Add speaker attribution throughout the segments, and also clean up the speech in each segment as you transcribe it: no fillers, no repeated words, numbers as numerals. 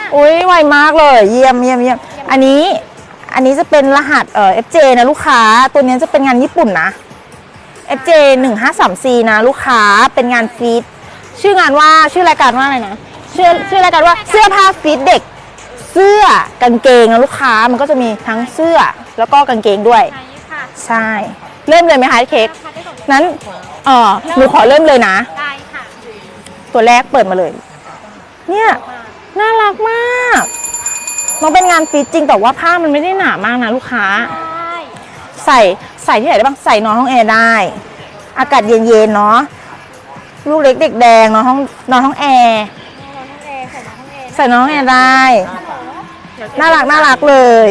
Speaker 1: อุ้ยไวมากเลยเยี่ยมอันนี้จะเป็นรหัสFJ นะลูกค้าตัวนี้จะเป็นงานญี่ปุ่นนะ FJ 153C นะลูกค้าเป็นงานฟีดชื่องานว่าชื่อรายการว่าอะไรนะชื่อรายการว่าเสื้อผ้าฟีดเด็กเสื้อกางเกงนะลูกค้ามันก็จะมีทั้งเสื้อแล้วก็กางเกงด้วยใช่เริ่มเลยไหมคะเค้กนั้นหนูขอเริ่มเลยนะได้ค่ะตัวแรกเปิดมาเลยเนี่ยน่ารักมากมันเป็นงานฟีดจริงแต่ว่าผ้ามันไม่ได้หนามากนะลูกค้าใส่ที่ไหนได้บ้างใส่นอนห้องแอร์ได้อากาศเย็นๆเนาะลูกเล็กเด็กแดงนอนห้องแอร์ใส่นอนห้องแอร์ได้น่ารักเลย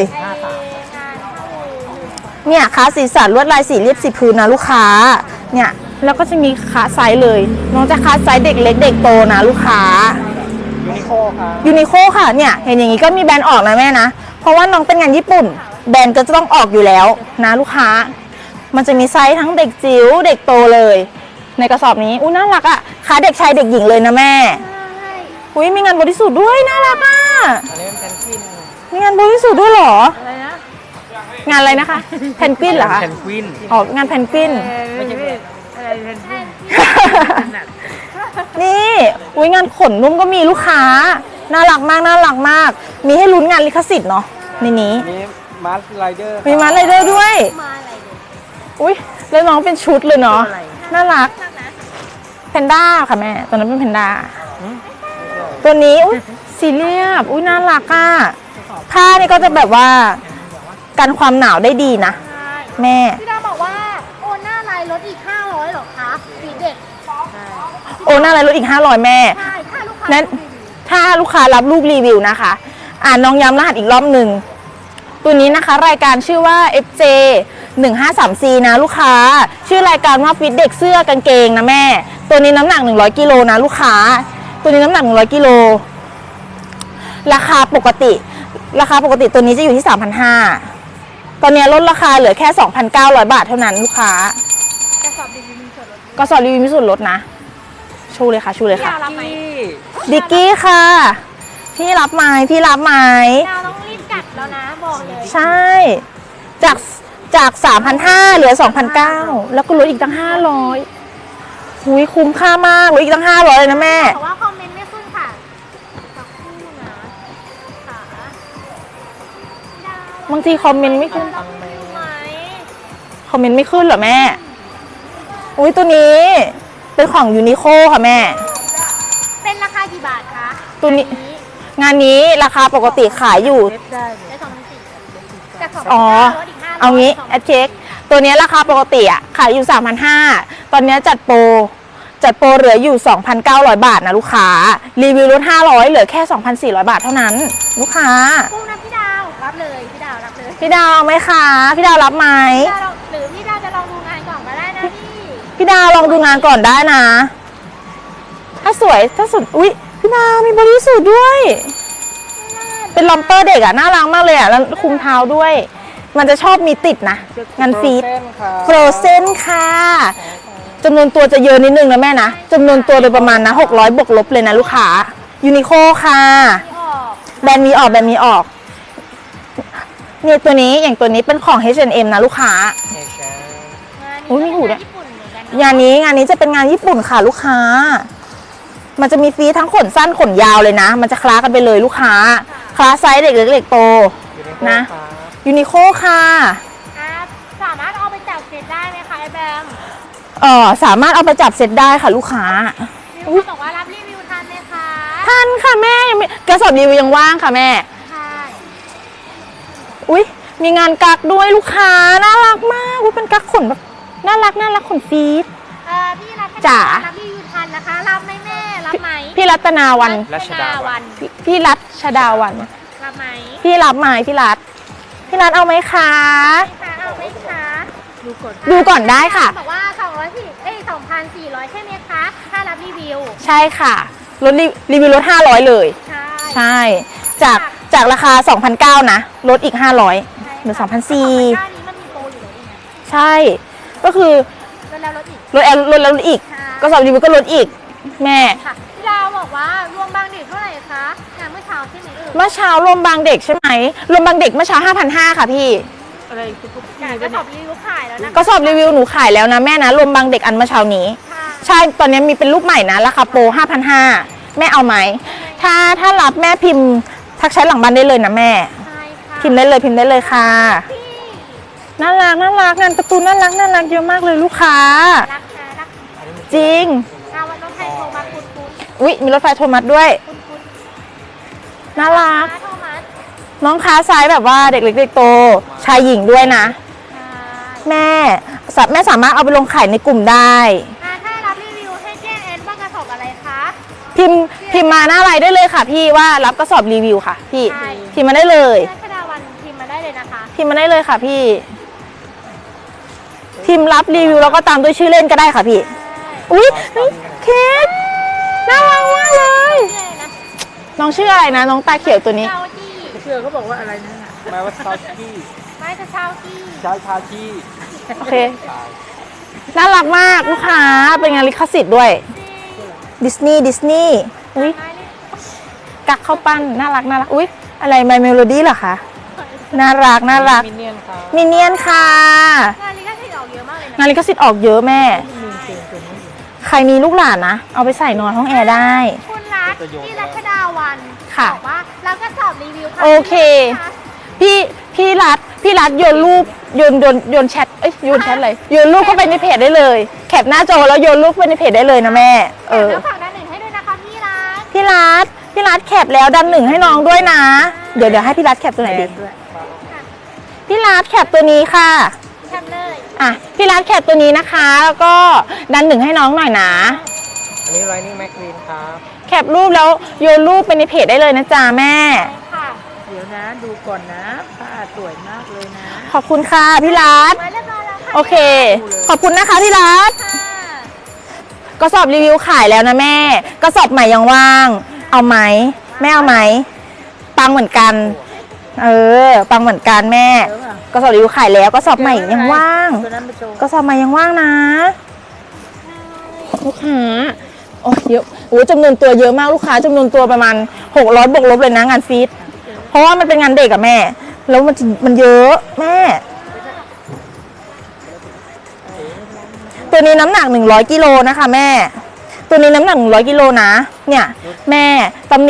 Speaker 1: เนี่ยขาสีสันลวดลายสีเรียบสีพื้นนะลูกค้าเนี่ยแล้วก็จะมีขาไซส์เลยน้องจะขาไซส์เด็กเล็กเด็กโตนะลูกค้ายูนิโคค่ะเนี่ยเห็นอย่างนี้ก็มีแบรนด์ออกนะแม่นะเพราะว่าน้องเป็นงานญี่ปุ่นแบรนด์ก็จะต้องออกอยู่แล้วนะลูกค้ามันจะมีไซส์ทั้งเด็กจิ๋วเด็กโตเลยในกระสอบนี้น่ารักอ่ะขาเด็กชายเด็กหญิงเลยนะแม่อุ้ยมีงานบริสุทธิ์ด้วยน่ารักอ่ะมีงานบริสุทธิ์ด้วยเหรออะไรนะงานอะไรนะคะแพนกวินเหรอคะแพนกวินงานแพนกวินไม่ใช่อะไรแพนกวินนี่อุ้ยงานขนนุ่มก็มีลูกค้าน่ารักมากมีให้ลุ้นงานลิขสิทธิ์เนาะในนี้มีมาร์ไรเดอร์ด้วยอุ้ยแล้วน้องเป็นชุดเลยเนาะน่ารักแพนด้าค่ะแม่ตอนนั้นเป็นแพนด้าตัวนี้อุ้ยสีเรียบอุ้ยน่ารักอ่ะผ้านี่ก็จะแบบว่ากันความหนาวได้ดีนะแม่
Speaker 2: พี่ดาบอกว่าโอนหน้าไลน์ลดอีก500หรอคะสีเด็ก
Speaker 1: โอนหน้าไลน์ลดอีก500แม่
Speaker 2: ใช่
Speaker 1: ถ้าลูกค้ารับลูกรีวิวนะคะน้องย้ำรหัสอีกรอบหนึ่งตัวนี้นะคะรายการชื่อว่า FJ 153C นะลูกค้าชื่อรายการว่าฟิตเด็กเสื้อกางเกงนะแม่ตัวนี้น้ำหนัก100กิโลนะลูกค้าตัวนี้น้ำหนัก100กิโลราคาปกติตัวนี้จะอยู่ที่ 3,500 ตอนนี้ลดราคาเหลือแค่ 2,900 บาทเท่านั้นลูกค้ากระสอบรีวิวมีส่วนลดนะชูเลยค่ะดิกกี้ค่ะพี่รับไหม
Speaker 2: ดาวต้องรีบกัดแล้วนะบอกเลย
Speaker 1: ใช่จาก 3,500 เหลือ 2,900 แล้วก็ลดอีกตั้ง500หุยคุ้มค่ามากลดอีกตั้ง500เลยนะแม่
Speaker 2: แต่ว่าคอมเมนต์ไม่ขึ้นค่ะสักครู่นะ
Speaker 1: บางทีคอมเมนต์ไม่ขึ้นเหรอแม่อุ้ยตัวนี้เป็นของยูนิโคค่ะแม่
Speaker 2: เป็นราคากี่บาทคะ
Speaker 1: ตัวนี้งานนี้ราคาปกติขายอยู่เอางี้แอดเช็คตัวนี้ราคาปกติขายอยู่ 3,500 ตอนนี้จัดโปรเหลืออยู่ 2,900 บาทนะลูกค้ารีวิวลด500เหลือแค่ 2,400 บาทเท่านั้นลูกค้า
Speaker 2: กุ้งนะพี่ดาวรับเลยพี่ดาว
Speaker 1: เอาไหมคะพี่ดาวรับไหม
Speaker 2: หรือพี่ดาวจะลองดูงานก่อนก็ได้นะ
Speaker 1: พี่ดาวลองดูงานก่อนได้นะถ้าสุดอุ๊ยพี่ดาวมีบริสุทธิ์ด้วยเป็นลอมเปอร์เด็กน่ารักมากเลยแล้วคุมเท้าด้วยมันจะชอบมีติดนะงานฟีดโฟรเซนค่ะจำนวนตัวจะเยอะนิดนึงนะแม่นะจำนวนตัวโดยประมาณนะ600บวกลบเลยนะลูกค้ายูนิโคค่ะแบรนด์มีออกเนี่ยตัวนี้อย่างตัวนี้เป็นของ H&M นะลูกค้าอุ้ยมีหูด้วยงานนี้จะเป็นงานญี่ปุ่นค่ะลูกค้ามันจะมีฟีทั้งขนสั้นขนยาวเลยนะมันจะคล้ากันไปเลยลูกค้าคล้าไซส์เด็กเล็กเด็กโตนะยูนิโคค่ะ
Speaker 2: สามารถเอาไปจับเซตได้ไหมคะไอแบม
Speaker 1: สามารถเอาไปจับเซตได้ค่ะลูกค้า
Speaker 2: บอกว่ารับรีวิวทันไหมคะ
Speaker 1: ทันค่ะแม่กระสอบรีวิวยังว่างค่ะแม่อุ้ยมีงานกักด้วยลูกค้าน่ารักมากอุ้ยเป็นกักขนแบบน่ารักขนฟีด
Speaker 2: พี่รัตนารับรีวิวทันนะคะรับไหมแม่รับไหม
Speaker 1: พี่รัตนาวันพี่รัชดาวัน
Speaker 2: รับไหม
Speaker 1: พี่รับไหมพี่รัตเอาไหมคะ
Speaker 2: เอาไหมคะ
Speaker 1: ดูก่อนได้ค่ะ
Speaker 2: บอกว่า2,400ใช่ไหมคะถ้ารับรีวิว
Speaker 1: ใช่ค่ะลดรีวิวลด500เลยใช่จากราคา 2,900 นะลดอีก500เหลือ 2,400 ใช่ก็คือลดแล้วลดอีกก็สอบรีวิวก็ลดอีกแม่
Speaker 2: พี่ดาวบอกว่าร่วมบ้างดิเท่าไหร่คคะงานเมื่อเช้าใช่ไหมเอ่ย
Speaker 1: เมื่อเช้ารวมบางเด็กใช่ไหมรวมบางเด็กเมื่อเช้า 5,500 ค่ะพี่
Speaker 3: อะไรทุก
Speaker 2: งานก็สอบรีวิวขายแล้วนะ
Speaker 1: ก็สอบรีวิวหนูขายแล้วนะแม่นะรวมบางเด็กอันเมื่อเช้านี้
Speaker 2: ค่ะ
Speaker 1: ใช่ตอนนี้มีเป็นรูปใหม่นะราคาโปร 5,500 แม่เอาไหมถ้ารับแม่พิมพ์ทักแชทหลังบ้านได้เลยนะแม่
Speaker 2: ใช่ค่ะ
Speaker 1: พิมพ์ได้เลยค่ะ
Speaker 2: พี่
Speaker 1: น่ารักงานการ์ตูนน่ารักเยอะมากเลยลูกค้า
Speaker 2: รักนะรัก
Speaker 1: จริง
Speaker 2: วันน้องไทยโทรมาคุณ
Speaker 1: อุ๊ยมีรถไฟโทรมัสด้วยน่ารัก
Speaker 2: โทรมา
Speaker 1: น้องค้าไซส์แบบว่าเด็กเล็กเด็กโตชายหญิงด้วยนะ แม่สามารถเอาไปลงขายในกลุ่มได้
Speaker 2: ถ้ารับรีวิวให้แจ้งแอนว่ากระสอบอะไรคะ
Speaker 1: พิมพ์มาหน้าไลน์ได้เลยค่ะพี่ว่ารับกระสอบรีวิวค่ะพี่
Speaker 2: ใช่
Speaker 1: พิมพ์มาได้เลย
Speaker 2: รัชดาวันพิมพ์มาได้เลยนะคะ
Speaker 1: พิมพ์มาได้เลยค่ะพี่ พิมพ์รับรีวิวแล้วก็ตามด้วยชื่อเล่นก็ได้ค่ะพี่ อุ๊ยเค้กน่ารักมากเลย
Speaker 2: ชื่ออะไรนะ
Speaker 1: น้องชื่ออะไรนะ น้องตาเขียวตัวนี้
Speaker 2: เชาจี้
Speaker 3: เชื่อเขาบอกว่าอะไรนั่นน่ะ
Speaker 4: แม้ว่าชาวที่
Speaker 2: ไม่จะเชาจี้
Speaker 4: ใช้ชาที่
Speaker 1: โอเค น่ารักมากลูกค้าเป็นงานลิขสิทธิ์ด้วย ดิสนีย์อุ๊ย
Speaker 2: ไม่เลย
Speaker 1: กักเข้าปั้นน่ารักอุ๊ยอะไรไมเมโลดี้เหรอคะน่ารัก
Speaker 4: มินเนี่ยนครับ
Speaker 1: มินเนี่ยนค่ะ
Speaker 2: งานลิขสิทธิ์ออกเยอะมากเลยนะ
Speaker 1: งานลิขสิทธิ์ออกเยอะแม่ ใครมีลูกหลานนะ เอาไปใส่นอนห้องแอร์ได้
Speaker 2: คุณรัฐที่รัชดาวัน
Speaker 1: ค่ะ
Speaker 2: บอกว่าเราก็สอบรีวิวะ
Speaker 1: โอเค พี่รัฐโยนรูปโยนแชทโยนแชทเลยโยนรูปเข้าไปในเพจได้เลย แคปหน้าจอแล้วโยนรูปไปในเพจได้เลยนะแม่
Speaker 2: แล้วฝากด้านหนึ่งให้ด้วยนะคะพี่รัฐ
Speaker 1: พี่รัฐแคปแล้วดันหนึ่งให้น้องด้วยนะ เดี๋ยวให้พี่รัฐแคปตัวไหนดี
Speaker 3: ด้วย
Speaker 1: พี่รัฐแคปตัวนี้ค่ะ
Speaker 2: ทำเลย
Speaker 1: อ่ะพี่รัฐแคปตัวนี้นะคะ แล้วก็ดันหนึ่งให้น้องหน่อยนะ
Speaker 4: อันนี้ Lightning McQueen ครับ
Speaker 1: แคปรูปแล้วโยนรูปไปในเพจได้เลยนะจ๊ะแม่
Speaker 2: ค่ะ
Speaker 3: เดี๋ยวนะดูก่อนนะผ้าสวยมากเลยนะ
Speaker 1: ขอบคุณค่ะพี่รัฐ
Speaker 2: ไว้เรียบร้อยแล้วค่ะ
Speaker 1: โอเค ขอบคุณนะคะพี่รัฐ
Speaker 2: ค่ะ
Speaker 1: กระสอบรีวิวขายแล้วนะแม่กระสอบใหม่ยังว่าง เอาไหมแม่เอาไหมปังเหมือนกัน ปังเหมือนกันแม่
Speaker 3: เยอะป่ะ
Speaker 1: กระสอบรีวิวขายแล้วกระสอบใหม่ยังว่าง
Speaker 3: ตัวนั้นไปโชว์
Speaker 1: กระสอบใหม่ยังว่างนะลูกค้าโอ้เยอะโอ้จำนวนตัวเยอะมากลูกค้าจำนวนตัวประมาณ600บวกลบเลยนะงานฟีดเพราะว่ามันเป็นงานเด็กอะแม่ แล้วมันเยอะแม่ ตัวนี้น้ำหนัก100กิโลนะคะแม่ ตัวนี้น้ำหนัก100กิโลนะเนี่ยแม่ตำหนิ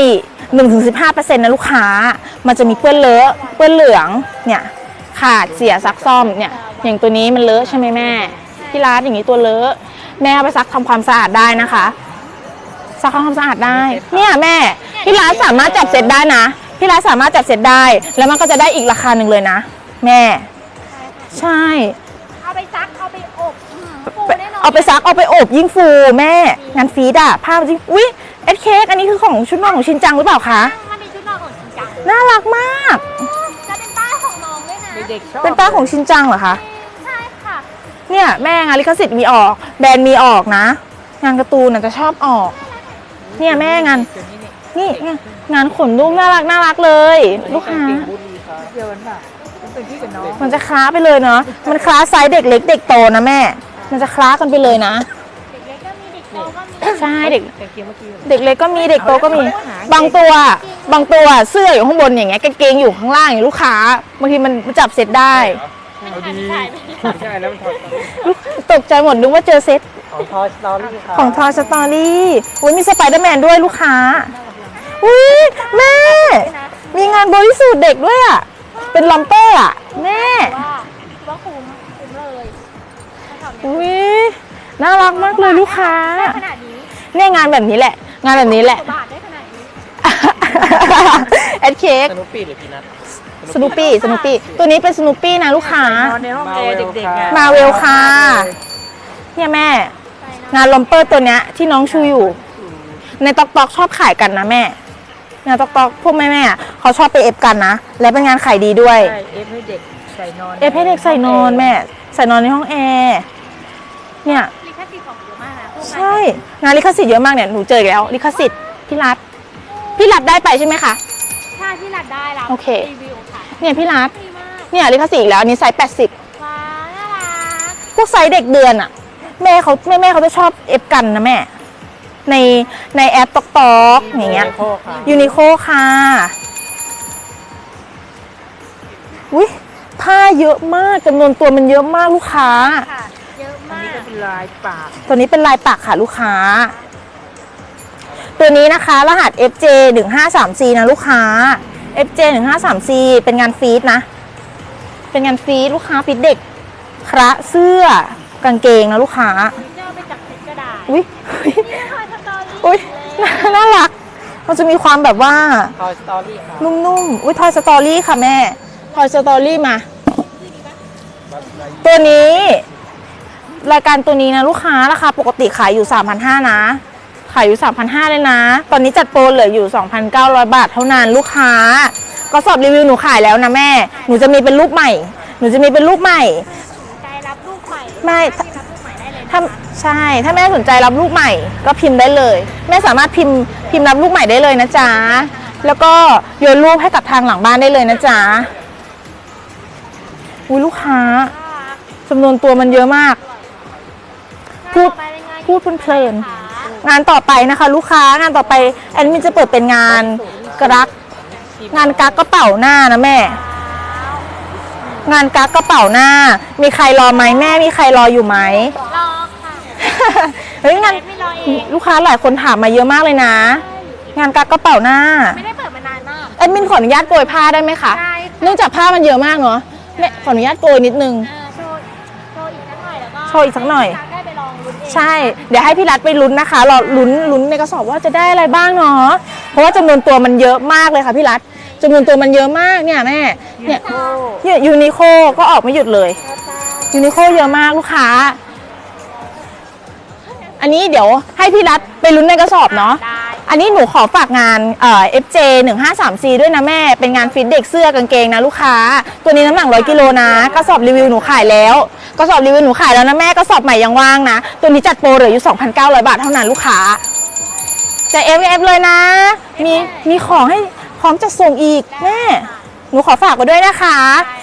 Speaker 1: 1-15% นะลูกค้ามันจะมีเปื้อนเลอะเปื้อนเหลืองเนี่ยขาดเสียซักซ่อมเนี่ยอย่างตัวนี้มันเลอะใช่ไหมแม่ที่ร้านอย่างนี้ตัวเลอะแม่เอาไปซักทำความสะอาดได้นะคะซักทำความสะอาดได้เนี่ยแม่ที่ร้านสามารถจับเซ็ตได้นะที่ร้านสามารถจับเซ็ตได้แล้วมันก็จะได้อีกราคาหนึ่งเลยนะแม่ใช่
Speaker 2: เอาไปซักเอาไปอบฟูแน่นอน
Speaker 1: เอาไปซักเอาไปอบยิ่งฟูแม่งานฟีดอะผ้าจริงอุ๊ยเอ็ดเค้กอันนี้คือของชุดนอนของชินจังหรือเปล่าคะ
Speaker 2: มันมีชุดนอนของจริงจัง
Speaker 1: น่ารักมาก
Speaker 2: จะเป็นป้ายของน้องด้วยนะ
Speaker 3: เด็กๆชอบ
Speaker 1: เป็นป้าของชินจังเหรอคะ
Speaker 2: ใช่ค่ะ
Speaker 1: เนี่ยแม่งานลิขสิทธิ์มีออก แบรนด์มีออกนะ งานการ์ตูนน่ะจะชอบออก เนี่ยแม่งาน
Speaker 3: ตัวนี้นี่
Speaker 1: นี่งานขนนุ่มน่ารักเลย ลูกค้า
Speaker 4: เก่งบุรีครับ
Speaker 3: เดียวกันป่ะมันเป็นพี่กับน้อง
Speaker 1: มันจะคล้าไปเลยเนาะมันคล้าไซส์เด็กเล็กเด็กโตนะแม่ มันจะคล้ากันไปเลยนะ
Speaker 2: เด็กเล็กก็มีเด็กโตก็มี
Speaker 1: ใช่เด็ก
Speaker 3: แต่เกียร์เมื่อกี้
Speaker 1: เด็กเล็กก็มีเด็กโตก็มี บางตัวเสื้ออยู่ข้างบนอย่างเงี้ยกางเกงอยู่ข้างล่างอย่างลูกค้าบางทีมันจับเซ็ตได้
Speaker 4: เอาดีใช่แล้วมันถอด
Speaker 1: ตกใจหมดนึกว่าเจอเซ็ต
Speaker 4: ของทอยสตอรี่ครับ
Speaker 1: ของทอยสตอรี่อุ้ยมีสไปเดอร์แมนด้วยลูกค้าอุ้ยแม่ มีงานบริสุทธิ์เด็กด้วยอ่ะ เป็นลัมเปอร์อ่ะ แม่
Speaker 2: ว่าคุ้มเลยแถวนี้
Speaker 1: อุ้ยน่ารักมากเลยลูกค้า
Speaker 2: ได้ขนาดนี้
Speaker 1: เนี่ยงานแบบนี้แหละ งานแบบนี้แหละ
Speaker 2: บาทได้ขนาดนี้
Speaker 1: แอดเค้ก
Speaker 4: สนุปปี้หรือพีนัท
Speaker 1: สนูปี้ตัวนี้เป็นสนูปี้นะลูกค้า
Speaker 3: นอนในห้องแอร์เด็กๆไง
Speaker 1: มาเวลค่ะ เนี่ยแม่ งานลัมเปอร์ตัวเนี้ยที่น้องชูอยู่ ในตอกชอบขายกันนะแม่งานตอกพวกแม่ๆเขาชอบไปเอฟกันนะ และเป็นงานขายดีด้วย
Speaker 3: ใช่เอฟให้เด็กใส่นอน
Speaker 1: เอฟให้เด็กใส่นอนแม่ ใส่นอนในห้องแอร์เนี่ย
Speaker 2: ลิขสิทธิ์ของเยอะมากนะพวก
Speaker 1: ใช่ งานลิขสิทธิ์เยอะมากเนี่ยหนูเจออีกแล้วลิขสิทธิ์พี่รัฐได้ไปใช่ไหมคะ
Speaker 2: ใช่ที่หลัดได้แล้ว
Speaker 1: โอเค
Speaker 2: รีวิวค่ะ
Speaker 1: เนี่ยพี่รัฐ
Speaker 2: ดีมาก
Speaker 1: เนี่ยลิขสิทธิ์อีกแล้วอันนี้ไซส์80
Speaker 2: ว้าวน่ารัก
Speaker 1: พวกไซส์เด็กเดือนอะแม่เขาจะชอบเอฟกันนะแม่ในแอปตอกอย่างเงี้ย
Speaker 4: โคค่ะ
Speaker 1: ยูนิโคค่ะอุ้ยผ้าเยอะมากจำนวนตัวมันเยอะมากลูกค้า
Speaker 2: ค่ะ เยอะ
Speaker 3: อัน
Speaker 2: มา
Speaker 3: นี้
Speaker 2: ก
Speaker 3: ก็เป็นลายปาก
Speaker 1: ตัวนี้เป็นลายปักค่ะลูกค้า ตัวนี้นะคะ รหัส FJ 153C นะลูกค้า FJ 153C เป็นงานฟีดนะ เป็นงานฟีดลูกค้าฟีดเด็กคระเสื้อกางเกงนะลูกค้า
Speaker 2: เจ้าไปจับติดก็ได้
Speaker 1: อุ้ย
Speaker 2: นี่ค่ะสตอรี่
Speaker 1: อุ้ยน่ารัก มันจะมีความแบบว่า
Speaker 4: ทอยสตอรี่ค่ะ
Speaker 1: นุ่มๆ อุ้ยทอยสตอรี่ค่ะแม่ ทอยสตอรี่มา ตัวนี้ รายการตัวนี้นะลูกค้าราคาปกติขายอยู่ 3,500 นะ ขายอยู่ 3,500 เลยนะ ตอนนี้จัดโปรเหลืออยู่ 2,900 บาทเท่านั้นลูกค้า ก็สอบรีวิวหนูขายแล้วนะแม่ หนูจะมีเป็นรูปใหม่ หนูจะมีเป็นรูปใหม่
Speaker 2: ใจรับลูกใหม่
Speaker 1: ไม่
Speaker 2: ที่รับลูกใหม่ได้เลยนะ
Speaker 1: ถ้าใช่ ถ้าแม่สนใจรับลูกใหม่ก็พิมพ์ได้เลย แม่สามารถพิมพ์รับลูกใหม่ได้เลยนะจ๊ะ แล้วก็โยนรูปให้กับทางหลังบ้านได้เลยนะจ๊ะอุ้ยลูกค้าจำนวนตัวมันเยอะมาก พูด พูดเพลินๆงานต่อไปนะคะ ลูกค้างานต่อไปแอดมินจะเปิดเป็นงานกรัก งานกักกระเป๋าหน้านะแม่ งานกักกระเป๋าหน้า มีใครรอไหมแม่มีใครรออยู่ไหม
Speaker 2: รอค่ะ
Speaker 1: เฮ้ยงาน
Speaker 2: ไม่รอเอง
Speaker 1: ลูกค้าหลายคนถามมาเยอะมากเลยนะ งานกักกระเป๋าหน้า
Speaker 2: ไม่ได้เปิดมานานมาก
Speaker 1: แอดมินขออนุญาตโกยผ้าได้ไหมคะ
Speaker 2: ได้
Speaker 1: เนื่องจากผ้ามันเยอะมากเนาะแม่ขออนุญาตโกยนิดนึง
Speaker 2: โชว์อีกสักหน่อยแล้วก็
Speaker 1: โชว์อีกสักหน่อย
Speaker 2: ได้ไปลองลุ้นเอง
Speaker 1: ใช่ เดี๋ยวให้พี่รัฐไปลุ้นนะคะรอลุ้นในกระสอบว่าจะได้อะไรบ้างเนาะ เพราะว่าจำนวนตัวมันเยอะมากเลยค่ะพี่รัฐจำนวนตัวมันเยอะมากเนี่ยแม่ เนี่ยยูนิโคก็ออกไม่หยุดเลย ยูนิโคเยอะมากลูกค้า อันนี้เดี๋ยวให้พี่รัฐไปลุ้นในกระสอบเนาะ
Speaker 2: ได้
Speaker 1: อันนี้หนูขอฝากงานFJ 153C ด้วยนะแม่ เป็นงานฟิตเด็กเสื้อกางเกงนะลูกค้า ตัวนี้น้ำหนัก100 กิโลนะ กระสอบรีวิวหนูขายแล้ว กระสอบรีวิวหนูขายแล้วนะแม่ กระสอบใหม่ยังว่างนะ ตัวนี้จัดโปรเหลืออยู่ 2,900 บาทเท่านั้นลูกค้าจะ FF เลยนะ มีของให้พร้อมจะส่งอีกแม่ หนูขอฝากไว้ด้วยนะคะ